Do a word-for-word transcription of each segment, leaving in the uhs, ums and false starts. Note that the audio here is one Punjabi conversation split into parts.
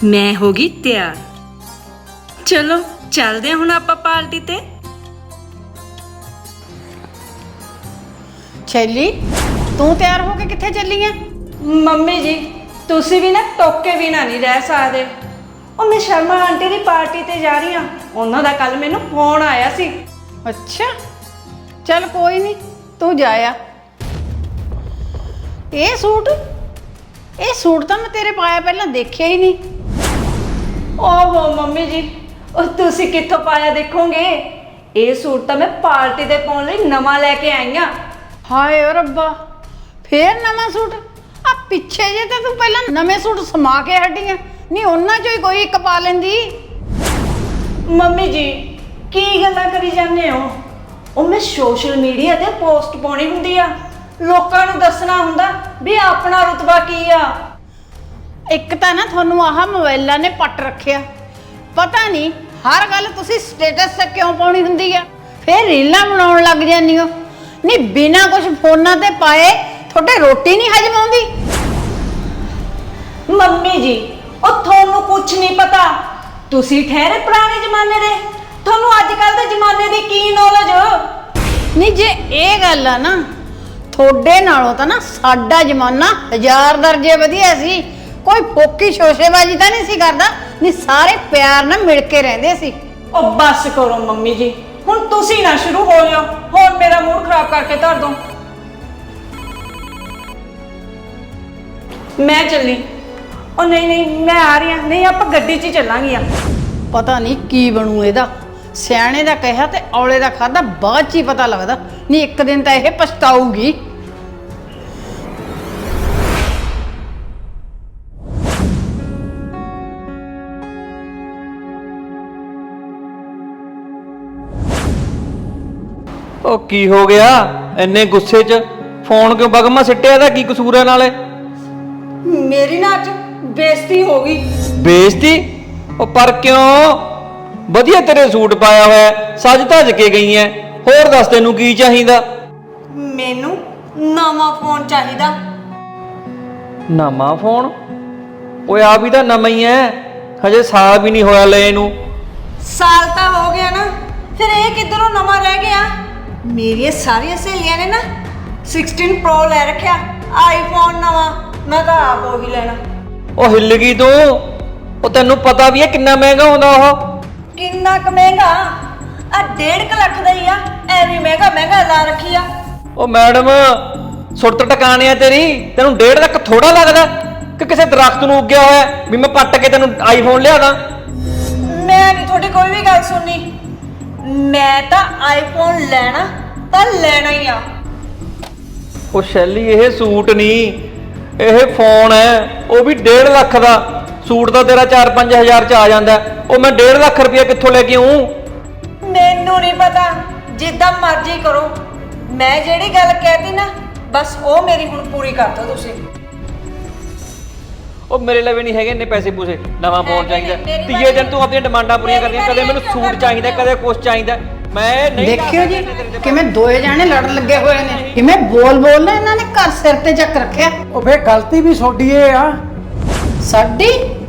मैं होगी तैयार। चलो चलदे हुण आपां पार्टी ते। छैली तू तैयार होके कित्थे ਚੱਲੀ ਐ? ਮੰਮੀ ਜੀ ਤੁਸੀਂ ਵੀ ਨਾ ਟੋਕੇ ਵੀ ਨਾ ਨਹੀਂ ਰਹਿ ਸਕਦੇ। ਉਹ ਮੈਂ ਸ਼ਰਮਾ ਆਂਟੀ ਦੀ ਪਾਰਟੀ ਤੇ ਜਾ ਰਹੀ ਹਾਂ। ਉਹਨਾਂ ਦਾ ਕੱਲ ਮੈਨੂੰ ਫੋਨ ਆਇਆ ਸੀ। ਅੱਛਾ ਚੱਲ ਕੋਈ ਨਹੀਂ ਤੂੰ ਜਾ ਆ। ਇਹ ਸੂਟ ਇਹ ਸੂਟ ਤਾਂ ਮੈਂ ਤੇਰੇ ਪਾਇਆ ਪਹਿਲਾਂ ਦੇਖਿਆ ਹੀ ਨਹੀਂ। ਓਹੋ ਮੰਮੀ ਜੀ ਉਹ ਤੁਸੀਂ ਕਿੱਥੋਂ ਪਾਇਆ ਦੇਖੋਗੇ। ਇਹ ਸੂਟ ਤਾਂ ਮੈਂ ਪਾਰਟੀ ਤੇ ਪਾਉਣ ਲਈ ਨਵਾਂ ਲੈ ਕੇ ਆਈ ਹਾਂ। ਹਾਏ ਓ ਰੱਬਾ ਫੇਰ ਨਵਾਂ ਸੂਟ? ਆ ਪਿੱਛੇ ਜੇ ਤਾਂ ਤੂੰ ਪਹਿਲਾਂ ਨਵੇਂ ਸੂਟ ਸਮਾ ਕੇ ਹਟੀ ਆ। ਨਹੀਂ ਉਹਨਾਂ ਚੋਂ ਹੀ ਕੋਈ ਇੱਕ ਪਾ ਲੈਂਦੀ। ਮੰਮੀ ਜੀ ਕੀ ਗੱਲਾਂ ਕਰੀ ਜਾਂਦੇ ਹੋ। ਉਹ ਮੈਂ ਸੋਸ਼ਲ ਮੀਡੀਆ ਤੇ ਪੋਸਟ ਪਾਉਣੀ ਹੁੰਦੀ ਆ। ਲੋਕਾਂ ਨੂੰ ਦੱਸਣਾ ਹੁੰਦਾ ਵੀ ਆਪਣਾ ਰੁਤਬਾ ਕੀ ਆ। ਇੱਕ ਤਾਂ ਨਾ ਤੁਹਾਨੂੰ ਆਹ ਮੋਬਾਈਲਾਂ ਨੇ ਪੱਟ ਰੱਖਿਆ। ਪਤਾ ਨਹੀਂ ਹਰ ਗੱਲ ਤੁਸੀਂ ਸਟੇਟਸ ਤੇ ਕਿਉਂ ਪਾਉਣੀ ਹੁੰਦੀ ਆ। ਫੇਰ ਰੀਲਾਂ ਬਣਾਉਣ ਲੱਗ ਜਾਂਦੀ ਹੋ। ਨਹੀਂ ਬਿਨਾਂ ਕੁਝ ਫੋਨਾਂ ਤੇ ਪਾਏ ਤੁਹਾਡੇ ਰੋਟੀ ਨਹੀਂ ਹਜਮ ਆਉਂਦੀ। ਮੰਮੀ ਜੀ ਉਹ ਤੁਹਾਨੂੰ ਕੁਝ ਨਹੀਂ ਪਤਾ। ਤੁਸੀਂ ਠਹਿਰੇ ਪੁਰਾਣੇ ਜ਼ਮਾਨੇ ਦੇ। ਤੁਹਾਨੂੰ ਅੱਜ ਕੱਲ ਦੇ ਜ਼ਮਾਨੇ ਦੀ ਕੀ ਨੌਲੇਜ। ਨਹੀਂ ਜੇ ਇਹ ਗੱਲ ਆ ਨਾ ਤੁਹਾਡੇ ਨਾਲੋਂ ਤਾਂ ਨਾ ਸਾਡਾ ਜ਼ਮਾਨਾ ਹਜ਼ਾਰ ਦਰਜੇ ਵਧੀਆ ਸੀ। ਕੋਈ ਫੋਕੀ ਸ਼ੋਸ਼ੇਬਾਜ਼ੀ ਤਾਂ ਨਹੀਂ ਸੀ ਕਰਦਾ। ਨਹੀਂ ਸਾਰੇ ਪਿਆਰ ਨਾਲ ਮਿਲ ਕੇ ਰਹਿੰਦੇ ਸੀ। ਉਹ ਬਸ ਕਰੋ ਮੰਮੀ ਜੀ ਹੁਣ ਤੁਸੀਂ ਨਾ ਸ਼ੁਰੂ ਹੋ ਜਾਓ। ਹੁਣ ਮੇਰਾ ਮੂਡ ਖਰਾਬ ਕਰਕੇ ਧਰ ਦੋ। ਮੈਂ ਚੱਲੀ। ਉਹ ਨਹੀਂ ਨਹੀਂ ਮੈਂ ਆ ਰਹੀ ਹਾਂ। ਨਹੀਂ ਆਪਾਂ ਗੱਡੀ 'ਚ ਹੀ ਚੱਲਾਂਗੀਆਂ। ਪਤਾ ਨਹੀਂ ਕੀ ਬਣੂ ਇਹਦਾ। ਸਿਆਣੇ ਦਾ ਕਿਹਾ ਤੇ ਔਲੇ ਦਾ ਖਾਦਾ ਬਾਅਦ 'ਚ ਹੀ ਪਤਾ ਲੱਗਦਾ। ਨਹੀਂ ਇੱਕ ਦਿਨ ਤਾਂ ਇਹ ਪਛਤਾਊਗੀ। ਉਹ ਕੀ ਹੋ ਗਿਆ ਇੰਨੇ ਗੁੱਸੇ 'ਚ ਫੋਨ ਕਿਉਂ ਬਗਮਾ ਸਿੱਟਿਆ? ਦਾ ਕੀ ਕਸੂਰ ਹੈ ਨਾਲੇ? ਮੇਰੀ ਨਾ ਅੱਜ ਬੇਇੱਜ਼ਤੀ ਹੋ ਗਈ। ਬੇਇੱਜ਼ਤੀ? ਉਹ ਪਰ ਕਿਉਂ? ਵਧੀਆ ਤੇਰੇ ਸੂਟ ਪਾਇਆ ਹੋਇਆ ਸੱਜ ਧੱਜ ਕੇ ਗਈ ਐ। ਹੋਰ ਦੱਸ ਤੈਨੂੰ ਕੀ ਚਾਹੀਦਾ? ਮੈਨੂੰ ਨਵਾਂ ਫੋਨ ਚਾਹੀਦਾ। ਨਵਾਂ ਫੋਨ? ਓਏ ਆ ਵੀ ਤਾਂ ਨਵਾਂ ਹੀ ਐ। ਹਜੇ ਸਾਲ ਵੀ ਨਹੀਂ ਹੋਇਆ ਲਏ ਨੂੰ। ਸਾਲ ਤਾਂ ਹੋ ਗਿਆ ਨਾ ਫਿਰ ਇਹ ਕਿੱਧਰੋਂ ਨਵਾਂ ਰਹਿ ਗਿਆ। ਮੇਰੀਆਂ ਸਾਰੀਆਂ ਸਹੇਲੀਆਂ ਨੇ ਨਾ ਸਿਕਸਟੀਨ ਪ੍ਰੋ ਲੈ ਰੱਖਿਆ ਆਈਫੋਨ ਨਵਾਂ। ਮੈਂ ਤਾਂ ਆਪ ਉਹੀ ਲੈਣਾ। ਉਹ ਹਿੱਲ ਗਈ ਤੂੰ। ਉਹ ਤੈਨੂੰ ਪਤਾ ਵੀ ਐ ਕਿੰਨਾ ਮਹਿੰਗਾ ਹੁੰਦਾ ਉਹ। ਕਿੰਨਾ ਕੁ ਮਹਿੰਗਾ? ਆ ਡੇਢ ਕੁ ਲੱਖ ਦਾ ਹੀ ਆ। ਐਵੇਂ ਮਹਿੰਗਾ ਮਹਿੰਗਾ ਲਾ ਰੱਖੀ ਆ। ਉਹ ਮੈਡਮ ਸੁਰਤ ਟਿਕਾਣੇ ਆ ਤੇਰੀ। ਤੈਨੂੰ ਡੇਢ ਲੱਖ ਥੋੜਾ ਲੱਗਦਾ ਕਿ ਕਿਸੇ ਦਰਖਤ ਨੂੰ ਉੱਗਿਆ ਹੋਇਆ ਵੀ ਮੈਂ ਪੱਟ ਕੇ ਤੈਨੂੰ ਆਈਫੋਨ ਲਿਆ ਦਾਂ? ਮੈਂ ਨਹੀਂ ਤੁਹਾਡੀ ਕੋਈ ਵੀ ਗੱਲ ਸੁਣਨੀ। ਮੈਂ ਤਾਂ ਆਈਫੋਨ ਲੈਣਾ ਤਾਂ ਲੈਣਾ ਹੀ ਆ। ਉਹ ਸ਼ੈਲੀ ਇਹ ਸੂਟ ਨਹੀਂ ਇਹ ਫੋਨ ਹੈ। ਉਹ ਵੀ ਡੇਢ ਲੱਖ ਦਾ। ਸੂਟ ਤਾਂ ਤੇਰਾ ਚਾਰ ਪੰਜ ਹਜ਼ਾਰ 'ਚ ਆ ਜਾਂਦਾ। ਉਹ ਮੈਂ ਡੇਢ ਲੱਖ ਰੁਪਇਆ ਕਿੱਥੋਂ ਲੈ ਕੇ ਆਊਂ? ਮੈਨੂੰ ਨਹੀਂ ਪਤਾ ਜਿੱਦਾਂ ਮਰਜ਼ੀ ਕਰੋ। ਮੈਂ ਜਿਹੜੀ ਗੱਲ ਕਹਿਤੀ ਨਾ ਬਸ ਉਹ ਮੇਰੀ ਹੁਣ ਪੂਰੀ ਕਰ ਦਿਓ ਤੁਸੀਂ। ਉਹ ਮੇਰੇ ਲਈ ਵੀ ਨਹੀਂ ਹੈਗੇ ਇੰਨੇ ਪੈਸੇ ਪੂਸੇ। ਨਵਾਂ ਫੋਨ ਚਾਹੀਦਾ। ਤੀਏ ਦਿਨ ਤੂੰ ਆਪਣੀਆਂ ਡਿਮਾਂਡਾਂ ਪੂਰੀਆਂ ਕਰਦੀਆਂ। ਕਦੇ ਮੈਨੂੰ ਸੂਟ ਚਾਹੀਦਾ ਕਦੇ ਕੁਛ ਚਾਹੀਦਾ। ਮੈਂ ਨਹੀਂ ਦੇਖਿਓ ਜੀ ਕਿਵੇਂ ਦੋਏ ਜਾਣੇ ਲੜ ਲੱਗੇ ਹੋਏ ਨੇ। ਕਿਵੇਂ ਬੋਲ ਬੋਲ ਨਾ ਇਹਨਾਂ ਨੇ ਘਰ ਸਿਰ ਤੇ ਚੱਕ ਰੱਖਿਆ। ਉਹ ਫੇਰ ਗਲਤੀ ਵੀ ਤੁਹਾਡੀ ਏ ਆ। ਸਾਡੀ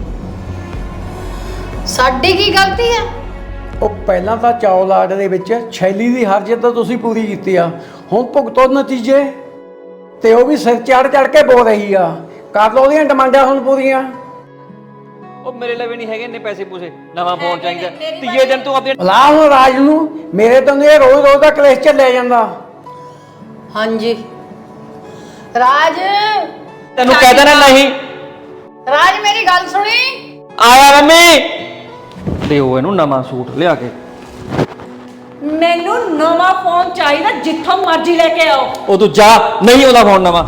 ਸਾਡੀ ਕੀ ਗਲਤੀ ਹੈ? ਉਹ ਪਹਿਲਾਂ ਤਾਂ ਚੌਲਾਟ ਦੇ ਵਿੱਚ ਛੈਲੀ ਦੀ ਹਰਜਤ ਤਾਂ ਤੁਸੀਂ ਪੂਰੀ ਕੀਤੀ ਆ। ਹੁਣ ਭੁਗਤੋ ਨਤੀਜੇ। ਤੇ ਉਹ ਵੀ ਸਿਰ ਚੜ ਚੜ ਕੇ ਬੋਲ ਰਹੀ ਆ। ਕਰ ਲਓ ਉਹਦੀਆਂ ਡਿਮਾਂਡਾਂ ਹੁਣ ਪੂਰੀਆਂ। ਉਹ ਮੇਰੇ ਲਈ ਵੀ ਨਹੀਂ ਹੈਗੇ ਇੰਨੇ ਪੈਸੇ ਪੂਸੇ। ਨਵਾਂ ਫੋਨ ਚਾਹੀਦਾ। ਤੀਏ ਦਿਨ ਤੂੰ ਆਪਣੀਆਂ ਲਾ ਹੁਣ ਰਾਜ ਨੂੰ। ਮੇਰੇ ਤੋਂ ਇਹ ਰੋਜ਼ ਰੋਜ਼ ਦਾ ਕਲੇਸ਼ ਚੱਲਿਆ ਜਾਂਦਾ। ਹਾਂਜੀ ਰਾਜ ਤੈਨੂੰ ਕਹਿ ਦੇਣਾ ਨਹੀਂ। ਰਾਜ ਮੇਰੀ ਗੱਲ ਸੁਣੀ। ਆਇਆ ਮੰਮੀ ਦਿਓ ਇਹਨੂੰ ਨਵਾਂ ਸੂਟ ਲਿਆ ਕੇ। ਮੈਨੂੰ ਨਵਾਂ ਫੋਨ ਚਾਹੀਦਾ ਜਿੱਥੋਂ ਮਰਜ਼ੀ ਲੈ ਕੇ ਆਓ। ਉਹ ਤੂੰ ਜਾ ਨਹੀਂ ਉਹਦਾ ਫੋਨ ਨਵਾਂ।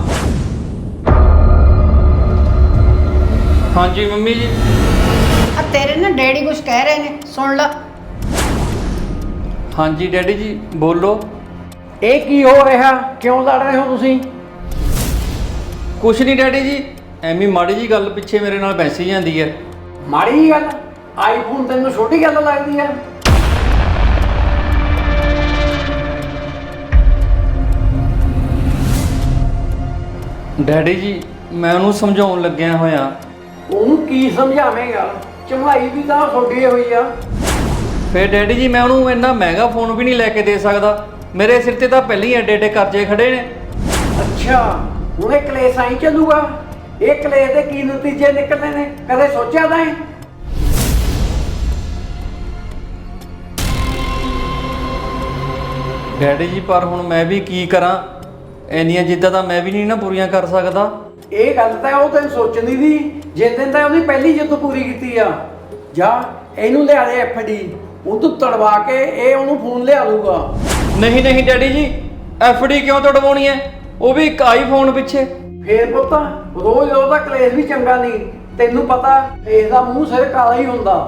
ਹਾਂਜੀ ਮੰਮੀ ਜੀ। ਆ ਤੇਰੇ ਨਾ ਡੈਡੀ ਕੁਝ ਕਹਿ ਰਹੇ ਨੇ ਸੁਣ ਲੈ। ਹਾਂਜੀ ਡੈਡੀ ਜੀ ਬੋਲੋ। ਇਹ ਕੀ ਹੋ ਰਿਹਾ? ਕਿਉਂ ਲੜ ਰਹੇ ਹੋ ਤੁਸੀਂ? ਕੁਛ ਨਹੀਂ ਡੈਡੀ ਜੀ ਐਵੇਂ ਮਾੜੀ ਜੀ ਗੱਲ ਪਿੱਛੇ ਮੇਰੇ ਨਾਲ ਬੈਸੀ ਜਾਂਦੀ ਹੈ। ਮਾੜੀ ਜਿਹੀ ਗੱਲ? ਆਈਫੋਨ ਤੈਨੂੰ ਛੋਟੀ ਗੱਲ ਲੱਗਦੀ ਆ? ਡੈਡੀ ਜੀ ਮੈਂ ਉਹਨੂੰ ਸਮਝਾਉਣ ਲੱਗਿਆ ਹੋਇਆ ਉਹਨੂੰ ਕੀ ਸਮਝਾਵੇਂਗਾ? ਚਮੜਾਈ ਵੀ ਤਾਂ ਛੋਡੀ ਹੋਈ ਆ। ਫੇਰ ਡੈਡੀ ਜੀ ਮੈਂ ਉਹਨੂੰ ਇੰਨਾ ਮਹਿੰਗਾ ਫੋਨ ਵੀ ਨਹੀਂ ਲੈ ਕੇ ਦੇ ਸਕਦਾ, ਮੇਰੇ ਸਿਰ ਤੇ ਤਾਂ ਪਹਿਲਾਂ ਹੀ ਐਡੇ ਐਡੇ ਕਰਜ਼ੇ ਖੜੇ ਨੇ। ਅੱਛਾ, ਹੁਣ ਇਹ ਕਲੇਸ਼ ਆਈ ਚੱਲੂਗਾ? ਇਹ ਕਲੇਸ਼ ਦੇ ਕੀ ਨਤੀਜੇ ਨਿਕਲਣੇ ਨੇ, ਕਦੇ ਸੋਚਿਆ ਤਾਂ ਹੈ? ਡੈਡੀ ਜੀ ਪਰ ਹੁਣ ਮੈਂ ਵੀ ਕੀ ਕਰਾਂ, ਇੰਨੀਆਂ ਜਿੱਦਾਂ ਤਾਂ ਮੈਂ ਵੀ ਨਹੀਂ ਨਾ ਪੂਰੀਆਂ ਕਰ ਸਕਦਾ। ਇਹ ਗੱਲ ਤਾਂ ਉਹ ਤੈਨੂੰ ਸੋਚਣੀ ਦੀ, ਜਿਸ ਦਿਨ ਤਾਂ ਉਹਦੀ ਪਹਿਲੀ ਜਿੱਦ ਪੂਰੀ ਕੀਤੀ ਆ। ਜਾ ਇਹਨੂੰ ਲਿਆ ਦੇ ਐਫ ਡੀ, ਉਹ ਤੂੰ ਤੜਵਾ ਕੇ ਇਹ ਉਹਨੂੰ ਫੋਨ ਲਿਆ ਦੂਗਾ। ਨਹੀਂ ਨਹੀਂ ਡੈਡੀ ਜੀ, ਐਫ ਡੀ ਕਿਉਂ ਤੜਵਾਉਣੀ ਹੈ, ਉਹ ਵੀ ਇੱਕ ਆਈਫੋਨ ਪਿੱਛੇ। ਫੇਰ ਪੁੱਤ ਰੋਜ਼ ਉਹਦਾ ਕਲੇਸ਼ ਵੀ ਚੰਗਾ ਨਹੀਂ, ਤੈਨੂੰ ਪਤਾ ਫੇਸ ਦਾ ਮੂੰਹ ਸਿਰ ਕਾਲਾ ਹੀ ਹੁੰਦਾ।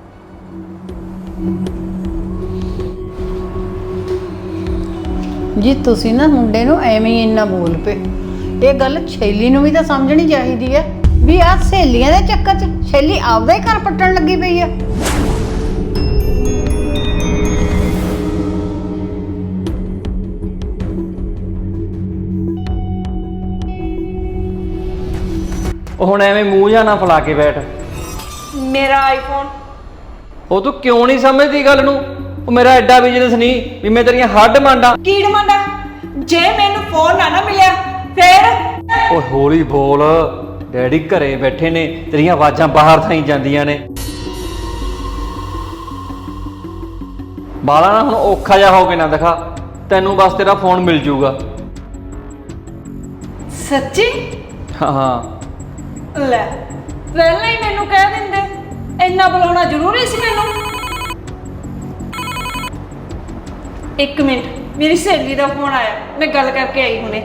ਜੀ ਤੁਸੀਂ ਨਾ ਮੁੰਡੇ ਨੂੰ ਐਵੇਂ ਹੀ ਇੰਨਾ ਬੋਲ ਪਏ। ਇਹ ਗੱਲ ਸ਼ੈਲੀ ਨੂੰ ਵੀ ਤਾਂ ਸਮਝਣੀ ਚਾਹੀਦੀ ਹੈ ਵੀ ਆਹ ਸਹੇਲੀਆਂ ਦੇ ਚੱਕਰ 'ਚ ਸ਼ੈਲੀ ਆਪਦਾ ਹੀ ਘਰ ਪੱਟਣ ਲੱਗੀ ਪਈ ਆ। ਉਹ ਹੁਣ ਐਵੇਂ ਮੂੰਹ ਜਾਂ ਨਾ ਫਲਾ ਕੇ ਬੈਠ। ਮੇਰਾ ਆਈਫੋਨ ਉਹ ਤੂੰ ਕਿਉਂ ਨਹੀਂ ਸਮਝਦੀ ਗੱਲ ਨੂੰ? ਉਹ ਮੇਰਾ ਐਡਾ ਬਿਜ਼ਨਸ ਨਹੀਂ ਵੀ ਮੈਂ ਤੇਰੀਆਂ ਹੱਡ ਮੰਡਾ। ਕੀ ਡਿਮਾਂਡਾ? ਜੇ ਮੈਨੂੰ ਫੋਨ ਨਾ ਨਾ ਮਿਲਿਆ ਫੇਰ? ਓਏ ਹੌਲੀ ਬੋਲ, ਡੈਡੀ ਘਰੇ ਬੈਠੇ ਨੇ, ਤੇਰੀਆਂ ਆਵਾਜ਼ਾਂ ਬਾਹਰ ਥਾਈ ਜਾਂਦੀਆਂ ਨੇ। ਬਾਲਾ ਨਾ ਹੁਣ ਔਖਾ ਜਾ ਹੋ ਕੇ ਨਾ ਦਿਖਾ, ਤੈਨੂੰ ਬਸ ਤੇਰਾ ਫੋਨ ਮਿਲ ਜੂਗਾ। ਸੱਚੀ? ਹਾਂ ਹਾਂ। ਲੈ ਪਹਿਲਾਂ ਹੀ ਮੈਨੂੰ ਕਹਿ ਦਿੰਦੇ, ਇੰਨਾ ਬੁਲਾਉਣਾ ਜ਼ਰੂਰੀ ਸੀ ਮੈਨੂੰ? ਇੱਕ ਮਿੰਟ, ਮੇਰੀ ਸਹੇਲੀ ਦਾ ਫੋਨ ਆਇਆ, ਮੈਂ ਗੱਲ ਕਰਕੇ ਆਈ ਹੁਣੇ।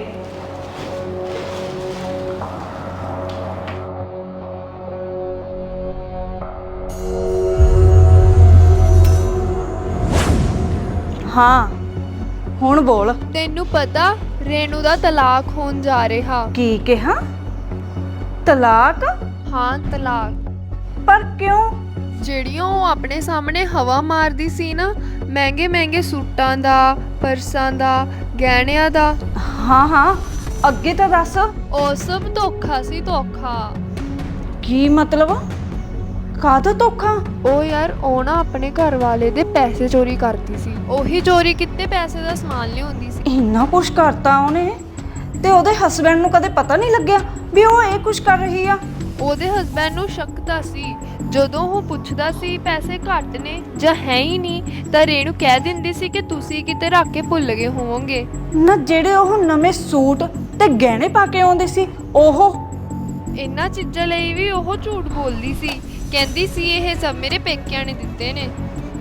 ਹਾਂ ਹੁਣ ਬੋਲ। ਤੈਨੂੰ ਪਤਾ ਰੇਨੂ ਦਾ ਤਲਾਕ ਹੋਣ ਜਾ ਰਿਹਾ। ਕੀ ਕਿਹਾ? ਤਲਾਕ? ਹਾਂ ਤਲਾਕ। ਪਰ ਕਿਉਂ? ਜਿਹੜੀਆਂ ਉਹ ਆਪਣੇ ਸਾਹਮਣੇ ਹਵਾ ਮਾਰਦੀ ਸੀ ਨਾ, ਮਹਿੰਗੇ ਮਹਿੰਗੇ ਸੂਟਾਂ ਦਾ, ਪਰਸਾਂ ਦਾ, ਗਹਿਣਿਆਂ ਦਾ। ਹਾਂ ਹਾਂ ਅੱਗੇ ਤਾਂ ਦੱਸ। ਉਹ ਸਭ ਧੋਖਾ ਸੀ, ਧੋਖਾ। ਕੀ ਮਤਲਬ? ਕਾਹਦਾ ਧੋਖਾ? ਉਹ ਯਾਰ ਉਹ ਨਾ ਆਪਣੇ ਘਰ ਵਾਲੇ ਦੇ ਪੈਸੇ ਚੋਰੀ ਕਰਦੀ ਸੀ, ਉਹੀ ਚੋਰੀ ਕੀਤੇ ਪੈਸੇ ਦਾ ਸਮਾਨ ਲਿਆਉਂਦੀ ਸੀ। ਇੰਨਾ ਕੁਛ ਕਰਤਾ ਉਹਨੇ, ਤੇ ਉਹਦੇ ਹਸਬੈਂਡ ਨੂੰ ਕਦੇ ਪਤਾ ਨਹੀਂ ਲੱਗਿਆ ਵੀ ਉਹ ਇਹ ਕੁਛ ਕਰ ਰਹੀ ਆ? ਉਹਦੇ ਹਸਬੈਂਡ ਨੂੰ ਸ਼ੱਕ ਤਾਂ ਸੀ, ਜਦੋਂ ਉਹ ਪੁੱਛਦਾ ਸੀ ਪੈਸੇ ਘੱਟ ਨੇ ਜਾਂ ਹੈ ਹੀ ਨਹੀਂ, ਤਾਂ ਰੇਣੂ ਕਹਿ ਦਿੰਦੀ ਸੀ ਕਿ ਤੁਸੀਂ ਕਿਤੇ ਰੱਖ ਕੇ ਭੁੱਲ ਗਏ ਹੋਵੋਗੇ। ਨਾ ਜਿਹੜੇ ਉਹ ਨਵੇਂ ਸੂਟ ਤੇ ਗਹਿਣੇ ਪਾ ਕੇ ਆਉਂਦੇ ਸੀ, ਉਹ ਇਹਨਾਂ ਚੀਜ਼ਾਂ ਲਈ ਵੀ ਉਹ ਝੂਠ ਬੋਲਦੀ ਸੀ, ਕਹਿੰਦੀ ਸੀ ਇਹ ਸਭ ਮੇਰੇ ਪੇਕਿਆਂ ਨੇ ਦਿੱਤੇ ਨੇ।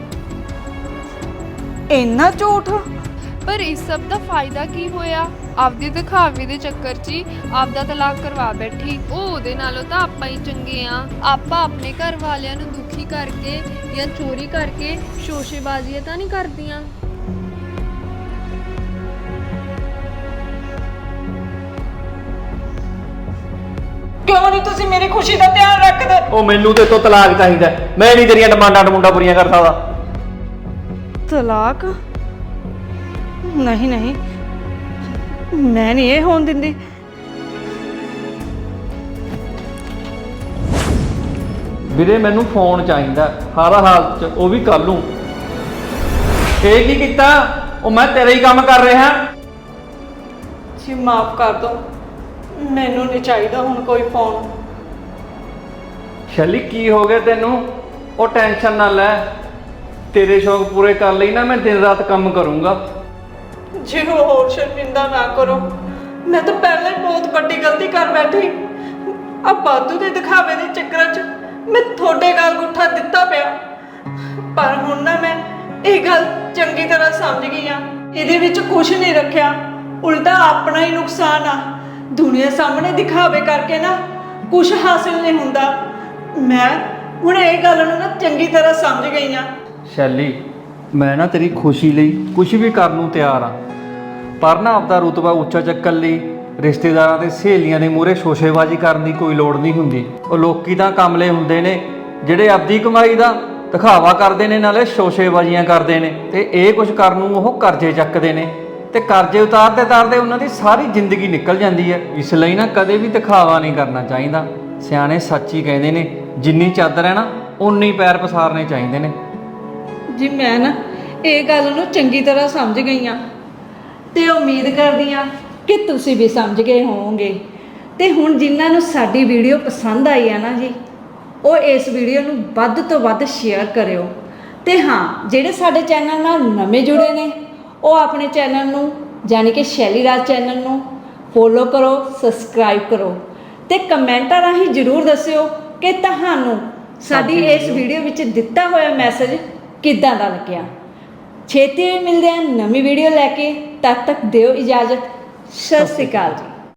ਇੰਨਾ ਝੂਠ? ਪਰ ਇਸ ਸਭ ਦਾ ਫਾਇਦਾ ਕੀ ਹੋਇਆ? ਆਪਦੀ ਦਿਖਾਵੇ ਦੇ ਚੱਕਰ 'ਚ ਹੀ ਆਪਦਾ ਤਲਾਕ ਕਰਵਾ ਬੈਠੀ। ਉਹ ਉਹਦੇ ਨਾਲੋਂ ਤਾਂ ਆਪਾਂ ਹੀ ਚੰਗੇ ਆ। ਆਪਾਂ ਆਪਣੇ ਘਰ ਵਾਲਿਆਂ ਨੂੰ ਦੁਖੀ ਕਰਕੇ ਜਾਂ ਚੋਰੀ ਕਰਕੇ ਸ਼ੋਸ਼ੇਬਾਜ਼ੀਆਂ ਤਾਂ ਨਹੀਂ ਕਰਦੀਆਂ। ਕਿਉਂ ਨਹੀਂ ਤੁਸੀਂ ਮੇਰੀ ਖੁਸ਼ੀ ਦਾ ਧਿਆਨ ਰੱਖਦੇ? ਉਹ ਮੈਨੂੰ ਤੇ ਤੋਂ ਤਲਾਕ ਚਾਹੀਦਾ, ਮੈਂ ਨਹੀਂ ਤੇਰੀਆਂ ਡਿਮਾਂਡਾਂ ਡਮੂੰਡਾਂ ਪੂਰੀਆਂ ਕਰ ਸਕਦਾ। ਤਲਾਕ? ਨਹੀਂ ਨਹੀਂ, ਮੈਂ ਨਹੀਂ ਇਹ ਹੋਣ ਦਿੰਦੀ। ਵੀਰੇ ਮੈਨੂੰ ਫੋਨ ਚਾਹੀਦਾ ਹਰ ਹਾਲਤ 'ਚ, ਉਹ ਵੀ ਕੱਲ ਨੂੰ। ਇਹ ਕੀ ਕੀਤਾ? ਉਹ ਮੈਂ ਤੇਰਾ ਹੀ ਕੰਮ ਕਰ ਰਿਹਾ। ਜੀ ਮਾਫ ਕਰ ਦੋ, ਮੈਨੂੰ ਨਹੀਂ ਚਾਹੀਦਾ ਹੁਣ ਕੋਈ ਫੋਨ। ਸ਼ੈਲੀ ਕੀ ਹੋ ਗਿਆ ਤੈਨੂੰ? ਉਹ ਟੈਨਸ਼ਨ ਨਾ ਲੈ, ਤੇਰੇ ਸ਼ੌਕ ਪੂਰੇ ਕਰ ਲਈ ਨਾ ਮੈਂ ਦਿਨ ਰਾਤ ਕੰਮ ਕਰੂੰਗਾ। ਜੀ ਹੋਰ ਸ਼ਰਮਿੰਦਾ ਨਾ ਕਰੋ, ਮੈਂ ਤਾਂ ਪਹਿਲਾਂ ਹੀ ਬਹੁਤ ਵੱਡੀ ਗਲਤੀ ਕਰ ਬੈਠੀ। ਆ ਬਾਦੂ ਦੇ ਦਿਖਾਵੇ ਦੇ ਚੱਕਰਾਂ 'ਚ ਮੈਂ ਤੁਹਾਡੇ ਗਲ ਗੁੱਠਾ ਦਿੱਤਾ ਪਿਆ। ਪਰ ਹੁਣ ਨਾ ਮੈਂ ਇਹ ਗੱਲ ਚੰਗੀ ਤਰ੍ਹਾਂ ਸਮਝ ਗਈ ਆ, ਇਹਦੇ ਵਿੱਚ ਕੁਝ ਨਹੀਂ ਰੱਖਿਆ, ਉਲਟਾ ਆਪਣਾ ਹੀ ਨੁਕਸਾਨ ਆ। ਦੁਨੀਆ ਸਾਹਮਣੇ ਦਿਖਾਵੇ ਕਰਕੇ ਨਾ ਕੁਝ ਹਾਸਿਲ ਨਹੀਂ ਹੁੰਦਾ। ਮੈਂ ਹੁਣ ਇਹ ਗੱਲ ਨੂੰ ਨਾ ਚੰਗੀ ਤਰ੍ਹਾਂ ਸਮਝ ਗਈ ਆ। ਸ਼ੈਲੀ ਮੈਂ ਨਾ ਤੇਰੀ ਖੁਸ਼ੀ ਲਈ ਕੁਝ ਵੀ ਕਰਨ ਨੂੰ ਤਿਆਰ ਆ, ਪਰ ਨਾ ਆਪਦਾ ਰੁਤਬਾ ਉੱਚਾ ਚੱਕਣ ਲਈ ਰਿਸ਼ਤੇਦਾਰਾਂ ਤੇ ਸਹੇਲੀਆਂ ਦੇ ਮੂਹਰੇ ਸ਼ੋਸ਼ੇਬਾਜ਼ੀ ਕਰਨ ਦੀ ਕੋਈ ਲੋੜ ਨਹੀਂ ਹੁੰਦੀ। ਉਹ ਲੋਕੀ ਤਾਂ ਕਮਲੇ ਹੁੰਦੇ ਨੇ ਜਿਹੜੇ ਆਪਦੀ ਕਮਾਈ ਦਾ ਦਿਖਾਵਾ ਕਰਦੇ ਨੇ, ਨਾਲੇ ਸ਼ੋਸ਼ੇਬਾਜ਼ੀਆਂ ਕਰਦੇ ਨੇ, ਤੇ ਇਹ ਕੁਝ ਕਰਨ ਨੂੰ ਉਹ ਕਰਜ਼ੇ ਚੱਕਦੇ ਨੇ, ਤੇ ਕਰਜ਼ੇ ਉਤਾਰਦੇ ਉਤਾਰਦੇ ਉਹਨਾਂ ਦੀ ਸਾਰੀ ਜ਼ਿੰਦਗੀ ਨਿਕਲ ਜਾਂਦੀ ਹੈ। ਇਸ ਲਈ ਨਾ ਕਦੇ ਵੀ ਦਿਖਾਵਾ ਨਹੀਂ ਕਰਨਾ ਚਾਹੀਦਾ। ਸਿਆਣੇ ਸੱਚ ਹੀ ਕਹਿੰਦੇ ਨੇ, ਜਿੰਨੀ ਚਾਦਰ ਹੈ ਨਾ ਉਨੀ ਪੈਰ ਪਸਾਰਨੇ ਚਾਹੀਦੇ ਨੇ। ਜੀ ਮੈਂ ਨਾ ਇਹ ਗੱਲ ਨੂੰ ਚੰਗੀ ਤਰ੍ਹਾਂ ਸਮਝ ਗਈ ਆ ਤੇ ਉਮੀਦ ਕਰਦੀ ਆ ਕਿ ਤੁਸੀਂ ਵੀ ਸਮਝ ਗਏ ਹੋਵੋਗੇ। ਤੇ ਹੁਣ ਜਿਨ੍ਹਾਂ ਨੂੰ ਸਾਡੀ ਵੀਡੀਓ ਪਸੰਦ ਆਈ ਆ ਨਾ ਜੀ, ਉਹ ਇਸ ਵੀਡੀਓ ਨੂੰ ਵੱਧ ਤੋਂ ਵੱਧ ਸ਼ੇਅਰ ਕਰਿਓ। ਤੇ ਹਾਂ, ਜਿਹੜੇ ਸਾਡੇ ਚੈਨਲ ਨਾਲ ਨਵੇਂ ਜੁੜੇ ਨੇ ਉਹ ਆਪਣੇ ਚੈਨਲ ਨੂੰ ਯਾਨੀ ਕਿ ਸ਼ੈਲੀ ਰਾਜ ਚੈਨਲ ਨੂੰ ਫੋਲੋ ਕਰੋ, ਸਬਸਕ੍ਰਾਈਬ ਕਰੋ ਤੇ ਕਮੈਂਟਾਂ ਰਾਹੀਂ ਜ਼ਰੂਰ ਦੱਸਿਓ ਕਿ ਤੁਹਾਨੂੰ ਸਾਡੀ ਇਸ ਵੀਡੀਓ ਵਿੱਚ ਦਿੱਤਾ ਹੋਇਆ ਮੈਸੇਜ ਕਿੱਦਾਂ ਦਾ ਲੱਗਿਆ। ਛੇਤੀ ਹੀ ਮਿਲਦੇ ਹਾਂ ਨਵੀਂ ਵੀਡੀਓ ਲੈ ਕੇ, ਤਦ ਤੱਕ ਦਿਓ ਇਜਾਜ਼ਤ। ਸਤਿ ਸ਼੍ਰੀ ਅਕਾਲ ਜੀ।